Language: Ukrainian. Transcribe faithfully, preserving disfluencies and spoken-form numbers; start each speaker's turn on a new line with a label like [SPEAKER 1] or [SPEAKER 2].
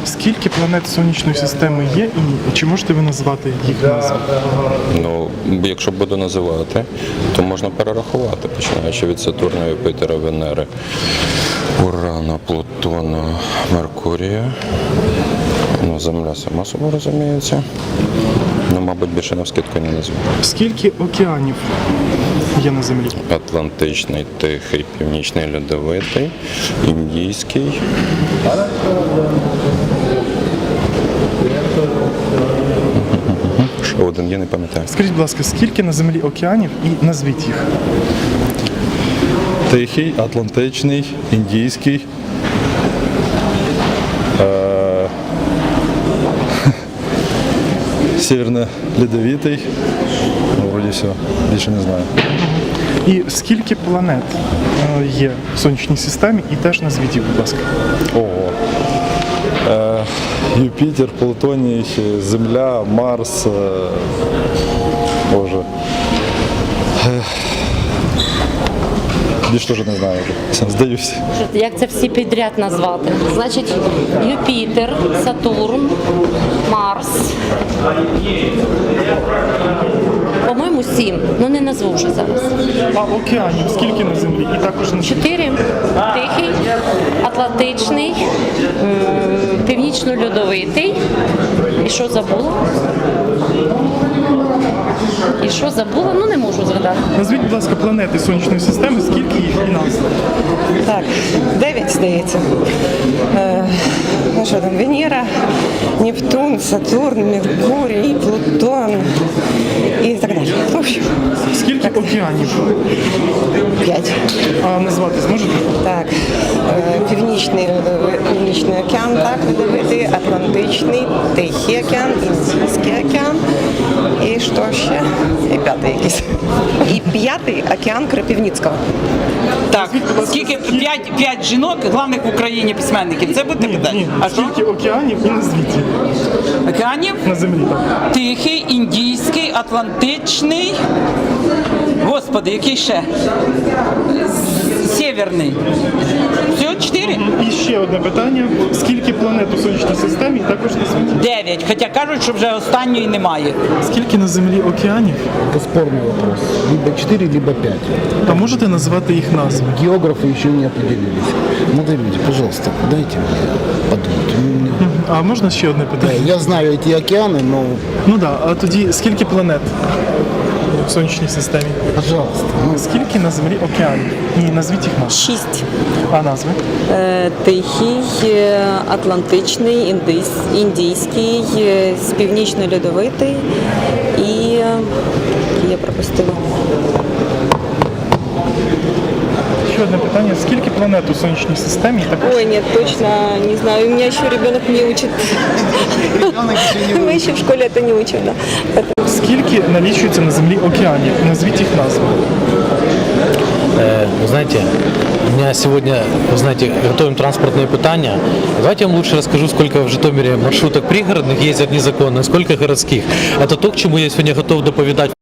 [SPEAKER 1] Скільки планет Сонячної системи є і чи можете ви назвати їх назви?
[SPEAKER 2] Ну, якщо буду називати, то можна перерахувати, починаючи від Сатурна, Юпітера, Венери, Урана, Плутона, Меркурія. Ну, Земля сама собою розуміється. Ну, мабуть, більше навскидку не назву.
[SPEAKER 1] Скільки океанів є на Землі?
[SPEAKER 2] Атлантичний, Тихий, Північний, Льодовитий, Індійський. Ще один, я не пам'ятаю.
[SPEAKER 1] Скажіть, будь ласка, скільки на Землі океанів і назвіть їх?
[SPEAKER 3] Тихий, Атлантичний, Індійський. Е- Северно-Ледовитий. Ну, вроді все, більше не знаю.
[SPEAKER 1] І скільки планет е, є в Сонячній системі і теж назвіть їх, будь ласка.
[SPEAKER 3] Ого. Е- Юпітер, Плутоній, Земля, Марс. Е- Боже. Е- Більше теж не знаю вже. Здаюся.
[SPEAKER 4] Як це всі підряд назвати? Значить, Юпітер, Сатурн, Марс. По-моєму, сім. Ну не назву вже зараз.
[SPEAKER 1] А океанів скільки на Землі? І також на
[SPEAKER 4] Чотири. Тихий, Атлантичний, м, Північно-Льодовитий. І що забула? І що забула? Ну не можу згадати.
[SPEAKER 1] Назвіть, будь ласка, планети Сонячної системи, скільки їх і назв?
[SPEAKER 5] Так, дев'ять, здається. Е, ну що там, Венера, Нептун, Сатурн, Меркурій, Плутон і так далі. В общем,
[SPEAKER 1] Скільки океанів?
[SPEAKER 5] п'ять.
[SPEAKER 1] А назвати зможете?
[SPEAKER 5] Так, е, Північний, льодовий- Північний океан, так, льодовитий, Атлантичний, Тихий океан, Індійський океан. І що ще? І п'ятий якийсь. І п'ятий океан Кропивницького.
[SPEAKER 6] Так, скільки п'ять, п'ять жінок, головних в Україні письменників. Це буде питання.
[SPEAKER 1] Ні.
[SPEAKER 6] А що?
[SPEAKER 1] Скільки океанів і назвіть їх
[SPEAKER 6] Океанів?
[SPEAKER 1] на Землі? Так.
[SPEAKER 6] Тихий, Індійський, Атлантичний. Господи, який ще? З- Сєвєрний. Всього чотири?
[SPEAKER 1] І ще одне питання. Скільки планет у Сонячній системі і також назвіть?
[SPEAKER 6] Дев'ять. Хоча кажуть, що вже останньої немає.
[SPEAKER 1] Скільки на Землі океанів?
[SPEAKER 7] Это спорный вопрос. Либо четыре, либо пять.
[SPEAKER 1] А можете назвати їх назви?
[SPEAKER 7] Географы еще не определились. Смотрите, пожалуйста, дайте мне подумать. У меня-
[SPEAKER 1] А можна ще одне питання?
[SPEAKER 7] Я знаю эти океаны, но,
[SPEAKER 1] Ну так, да. А тоді скільки планет в Сонячній системі?
[SPEAKER 7] пожалуйста, ну,
[SPEAKER 1] Скільки на Землі океанів? Ні, назвіть їх назви.
[SPEAKER 8] Шість.
[SPEAKER 1] А назви?
[SPEAKER 8] Е, Тихий, е, Атлантичний, індис- Індійський, е, з Північно-Льодовитий і е, я пропустила.
[SPEAKER 1] Ще одне питання. Скільки планет у Сонячній системі? І також
[SPEAKER 8] Ой, нет, точно не знаю. У меня еще ребенок не учит. Мы еще в школе это не учим, да. Поэтому
[SPEAKER 1] скільки налічується на Землі океанів? Назвіть їх назви.
[SPEAKER 9] Э, Вы знаете, у меня сегодня, вы знаете, готовим транспортные питания. Давайте я вам лучше расскажу, сколько в Житомире маршруток пригородных ездят незаконно, сколько городских. Это то, к чему я сегодня готов доповедать.